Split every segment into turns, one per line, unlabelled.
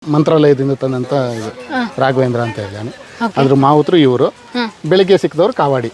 ಮಂತ್ರಾಲಯದಿಂದ ತಂದಂತ ಇದು ರಾಘವೇಂದ್ರ ಅಂತ ಇದ್ದಾನೆ. ಅದ್ರ ಮಾವುತರು ಇವರು. ಬೆಳಿಗ್ಗೆ ಸಿಕ್ಕಿದವರು ಕಾವಾಡಿ.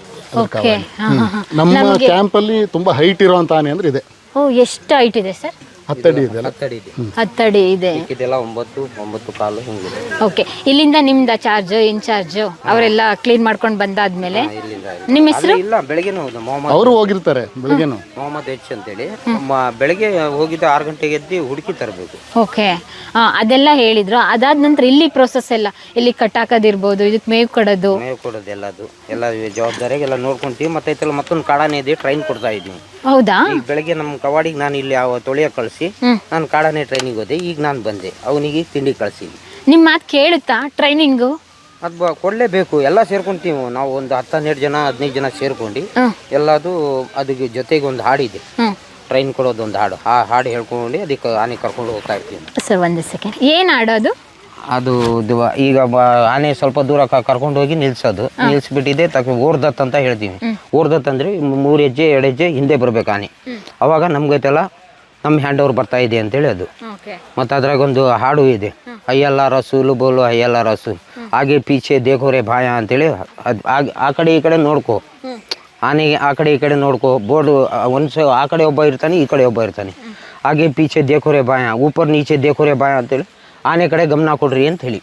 ನಮ್ಮ ಕ್ಯಾಂಪಲ್ಲಿ ತುಂಬಾ ಹೈಟ್ ಇರುವಂತ ಆನೆ ಅಂದ್ರೆ ಇದೆ.
ಎಷ್ಟು ಹೈಟ್ ಇದೆ ಸರ್?
10 ಅಡಿ ಇದೆ.
10 ಅಡಿ ಇದೆ.
ಇದೆಲ್ಲ 9 ಕಾಲು ಹಿಂಗಿದೆ.
ಓಕೆ, ಇಲ್ಲಿಂದ ನಿಮ್ದ ಚಾರ್ಜ್ ಇನ್ಚಾರ್ಜ್ ಅವರೆಲ್ಲ ಕ್ಲೀನ್ ಮಾಡ್ಕೊಂಡು ಬಂದಾದ್ಮೇಲೆ ನಿಮ್ಮ ಹೆಸರು?
ಇಲ್ಲ, ಬೆಳಗ್ಗೆನೂ ಮೊಹಮ್ಮದ್
ಅವರು ಹೋಗಿರ್ತಾರೆ. ಬೆಳಗ್ಗೆನು
ಮೊಹಮ್ಮದ್ ಎಚ್ ಅಂತೇಳಿ ಬೆಳಗ್ಗೆ ಹೋಗಿದ್ದ 6 ಗಂಟೆಗೆ ಎದ್ದು ಹುಡುಕಿ ತರಬೇಕು.
ಓಕೆ, ಅದೆಲ್ಲ ಹೇಳಿದ್ರು. ಅದಾದ ನಂತರ ಇಲ್ಲಿ ಪ್ರೋಸೆಸ್ ಎಲ್ಲ, ಇಲ್ಲಿ ಕಟ್ಟಾಕೋದಿರ್ಬೋದು, ಇದಕ್ಕೆ ಮೇವು ಕೊಡೋದು
ಎಲ್ಲದು ಎಲ್ಲ ಜವಾಬ್ದಾರಿಯಾಗಿ ಎಲ್ಲ ನೋಡ್ಕೊಂತೀವಿ. ಮತ್ತೆ ಮತ್ತೊಂದು ಕಾಡಾನೆ ಇದೆ, ಟ್ರೈನ್ ಕೊಡ್ತಾ ಇದ್ವಿ.
ಹೌದಾ?
ಈಗ ಬೆಳಗ್ಗೆ ನಮ್ಮ ಕವಾಡಿಗೆ ನಾನು ಇಲ್ಲಿ ತೊಳೆಯ ಕಳಿಸಿ ನಾನು ಕಾಡಾನೆ ಟ್ರೈನಿಗೆ ಹೋದೆ. ಈಗ ನಾನು ಬಂದೆ, ಅವನಿಗೆ ತಿಂಡಿ ಕಳಿಸಿ.
ನಿಮ್ಮ ಮಾತು ಕೇಳುತ್ತಾ ಟ್ರೈನಿಂಗು?
ಅದು ಕೊಡಲೇಬೇಕು. ಎಲ್ಲ ಸೇರ್ಕೊಂತೀವಿ ನಾವು, ಒಂದು 10-12 ಜನ 15 ಜನ ಸೇರ್ಕೊಂಡು ಎಲ್ಲದು. ಅದಕ್ಕೆ ಜೊತೆಗೆ ಒಂದು ಹಾಡಿದೆ, ಟ್ರೈನ್ ಕೊಡೋದು ಒಂದು ಹಾಡು. ಆ ಹಾಡು ಹೇಳ್ಕೊಂಡು ಅದಕ್ಕೆ ಆನೆ ಕರ್ಕೊಂಡು ಹೋಗ್ತಾ ಇರ್ತೀವಿ.
ಸರ್ ಒಂದು ಸೆಕೆಂಡ್, ಏನು ಆಡೋದು
ಅದು? ಈಗ ಆನೆ ಸ್ವಲ್ಪ ದೂರ ಕರ್ಕೊಂಡು ಹೋಗಿ ನಿಲ್ಸ್ಬಿಟ್ಟಿದೆ. ಓರ್ದತ್ ಅಂತ ಹೇಳ್ತೀವಿ. ಓರ್ದತ್ ಅಂದ್ರೆ 3 ಹೆಜ್ಜೆ 2 ಹೆಜ್ಜೆ ಹಿಂದೆ ಬರ್ಬೇಕು ಆನೆ. ಅವಾಗ ನಮ್ಗೈತೆಲ್ಲ ನಮ್ಮ ಹ್ಯಾಂಡ್ ಓವರ್ ಬರ್ತಾ ಇದೆ ಅಂತೇಳಿ ಅದು. ಮತ್ತು ಅದ್ರಾಗ ಒಂದು ಹಾಡು ಇದೆ, ಅಯ್ಯಲ್ಲ ರಸೂಲು ಬೋಲು ಅಯ್ಯಲ್ಲ ರಸು ಹಾಗೆ ಪೀಚೆ ದೇಖೋರೆ ಭಾಯ ಅಂತೇಳಿ. ಅದು ಆ ಕಡೆ ಈ ಕಡೆ ನೋಡ್ಕೋ, ಆನೆಗೆ ಆ ಕಡೆ ಈ ಕಡೆ ನೋಡ್ಕೋ. ಬೋರ್ಡು ಆ ಕಡೆ ಒಬ್ಬ ಇರ್ತಾನೆ, ಈ ಕಡೆ ಒಬ್ಬ ಇರ್ತಾನೆ. ಹಾಗೆ ಪೀಚೆ ದೇಖೋರೆ ಭಾಯ, ಊಪರ್ ನೀಚೆ ದೇಖೋರೆ ಭಾಯ ಅಂತೇಳಿ ಆನೆ ಕಡೆ ಗಮನ ಕೊಡ್ರಿ ಅಂತ ಹೇಳಿ.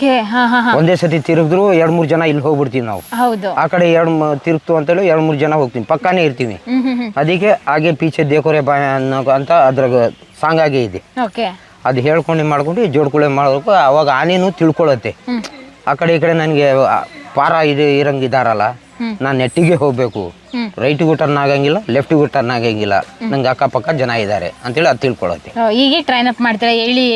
ಒಂದೇ ಸತಿ ತಿರುಗಿದ್ರು 2-3 ಜನ ಇಲ್ಲಿ ಹೋಗ್ಬಿಡ್ತೀವಿ ನಾವು. ಆ ಕಡೆ ತಿರುಗ್ತು ಅಂತೇಳಿ 2-3 ಜನ ಹೋಗ್ತೀವಿ, ಪಕ್ಕಾನೇ ಇರ್ತೀವಿ. ಅದಕ್ಕೆ ಹಾಗೆ ಪೀಚೆ ದೇಕೋರೆ ಬಾಯ ಅನ್ನೋ ಅಂತ ಅದ್ರಾಗ ಸಾಂಗ್ ಆಗೇ ಇದೆ. ಅದು ಹೇಳ್ಕೊಂಡು ಮಾಡ್ಕೊಂಡು ಜೋಡ್ಕೊಳೆ ಮಾಡಬೇಕು. ಅವಾಗ ಆನೆನೂ ತಿಳ್ಕೊಳತ್ತೆ. ಆ ಕಡೆ ಈ ಕಡೆ ನನಗೆ ಪಾರ ಇರಂಗಿದಾರಲ್ಲ, ನಾನು ನೆಟ್ಟಿಗೆ ಹೋಗ್ಬೇಕು, ರೈಟಿಗೂ ಟರ್ನ್ ಆಗಂಗಿಲ್ಲ, ಲೆಫ್ಟಿಗೂ ಟರ್ನ್ ಆಗಂಗಿಲ್ಲ, ನಂಗೆ ಅಕ್ಕಪಕ್ಕ ಜನ ಇದ್ದಾರೆ ಅಂತೇಳಿ ಅದು ತಿಳ್ಕೊಳತ್ತೆ.
ಹೀಗೆ ಟ್ರೈನ್ ಅಪ್ ಮಾಡ್ತೀರಾ?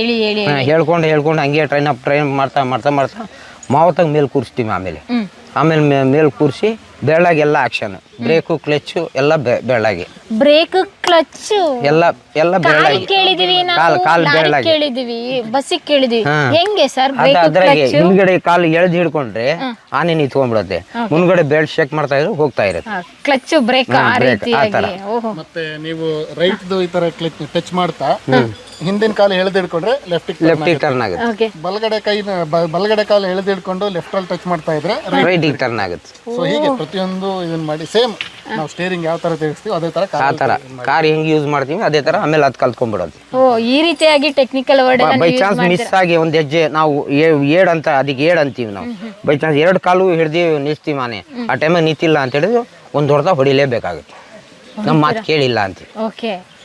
ಹೇಳ್ಕೊಂಡು ಹಂಗೆ ಟ್ರೈನ್ ಮಾಡ್ತಾ ಮಾವತ್ತಾಗ ಮೇಲೆ ಕೂರಿಸ್ತೀವಿ. ಆಮೇಲೆ ಮೇಲೆ ಕೂರಿಸಿ ಬೆಳ್ಳಾಗೆಲ್ಲ ಆಕ್ಷನ್, ಬ್ರೇಕು ಕ್ಲಚ್ಚು ಎಲ್ಲ ಬೆಳ್ಳಾಗಿ.
ಬ್ರೇಕ್ ಕ್ಲಚ್ ಎಲ್ಲ
ಬೆಳ್ಳಾಗಿ. ಕಾಲು ಬೆಳ್ಳಾಗಿ
ಕೇಳಿದೀವಿ, ಬಸ್ಸಿಗೆ ಕೇಳಿದೀವಿ. ಹೆಂಗೆ ಸರ್?
ಅದ್ರಾಗೆ ಹಿಂದ್ಗಡೆ ಕಾಲು ಎಳ್ದು ಹಿಡ್ಕೊಂಡ್ರೆ ಆನೆ ನಿಂತ್ಕೊಂಡ್ಬಿಡತ್ತೆ. ಮುಂದ್ಗಡೆ ಬೆಲ್ಟ್ ಚೆಕ್ ಮಾಡ್ತಾ ಇದ್ರೆ ಹೋಗ್ತಾ ಇರುತ್ತೆ.
ಕ್ಲಚ್ ಬ್ರೇಕ್
ಮತ್ತೆ ನೀವು ರೈಟ್ ಈ ತರ ಟಚ್ ಮಾಡ್ತಾ ಹಿಂದಿನ ಕಾಲು ಎಳೆದಿಡ್ಕೊಂಡ್ರೆ ಲೆಫ್ಟ್
ಟರ್ನ್ ಆಗುತ್ತೆ.
ಬಲಗಡೆ ಕಾಲು ಎಳೆದಿಡ್ಕೊಂಡು ಲೆಫ್ಟ್ ಅಲ್ಲಿ ಟಚ್ ಮಾಡ್ತಾ ಇದ್ರೆ
ರೈಟ್ ಟರ್ನ್ ಆಗುತ್ತೆ.
ಸೊ ಹೀಗೆ ಪ್ರತಿಯೊಂದು ಇದನ್ನ ಮಾಡಿ ಸೇಮ್ ನಾವು ಸ್ಟೇರಿಂಗ್ ಯಾವ ತರ ತಿರುಗಿಸ್ತೀವಿ ಅದೇ ತರ
ಕಾರ್ ಹೆಂಗ್ ಯೂಸ್ ಮಾಡ್ತೀವಿ ಅದೇ ತರ ಆಮೇಲೆ ಅದು ಕಲ್ತ್ಕೊಂಡ್ಬಿಡೋದು.
ಈ ರೀತಿಯಾಗಿ technical word
by chance miss ಆಗಿ ಒಂದ್ ಹೆಜ್ಜೆ ನಾವು ಏಡ್ ಅಂತ ಅದಕ್ಕೆ ಏಡ್ ಅಂತೀವಿ ನಾವು. ಬೈ ಚಾನ್ಸ್ 2 ಕಾಲು ಹಿಡ್ದಿ ನಿಲ್ಸ್ತೀವಿ ಆನೆ, ಆ ಟೈಮಾಗ ನಿಂತಿಲ್ಲ ಅಂತ ಹೇಳಿದ್ರೆ ಒಂದು ಹೊಡೆದ ಹೊಡಿಲೇಬೇಕಾಗುತ್ತೆ. ನಮ್ಮ ಮಾತು ಕೇಳಿಲ್ಲ ಅಂತೀವಿ.